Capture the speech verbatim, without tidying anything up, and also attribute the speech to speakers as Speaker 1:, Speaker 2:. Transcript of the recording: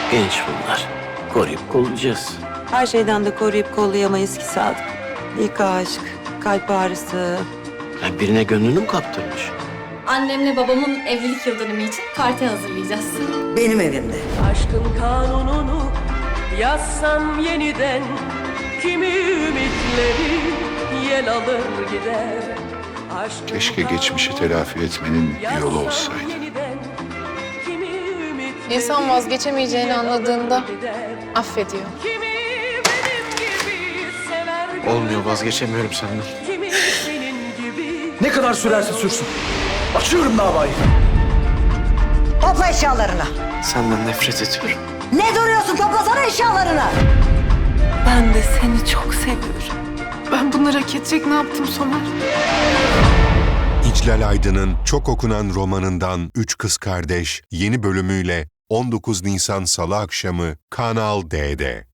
Speaker 1: Genç bunlar. Koruyup kollayacağız.
Speaker 2: Her şeyden de koruyup kollayamayız ki Sadık. İlk aşk, kalp ağrısı.
Speaker 1: Ya birine gönlünü mü kaptırmış?
Speaker 3: Annemle babamın evlilik yıldönümü için parti hazırlayacağız.
Speaker 2: Benim evimde.
Speaker 4: Aşkın kanununu yazsam yeniden, kimi ümitleri yel alır gider. Aşkın
Speaker 5: Keşke geçmişi telafi etmenin bir yolu olsaydı.
Speaker 4: yeniden, kimi ümitleri
Speaker 6: İnsan vazgeçemeyeceğini anladığında
Speaker 4: gider.
Speaker 6: affediyor.
Speaker 4: Kimi benim gibi sever,
Speaker 7: Olmuyor, vazgeçemiyorum senden.
Speaker 4: kimi senin gibi.
Speaker 8: Ne kadar sürerse sürsün. Açıyorum davayı.
Speaker 2: Topla eşyalarını.
Speaker 7: Senden nefret ediyorum.
Speaker 2: Ne duruyorsun? Toplasana eşyalarını.
Speaker 6: Ben de seni çok seviyorum. Ben bunları hak edecek ne yaptım Somer?
Speaker 9: İclal Aydın'ın çok okunan romanından Üç Kız Kardeş yeni bölümüyle on dokuz Nisan Salı akşamı Kanal D'de.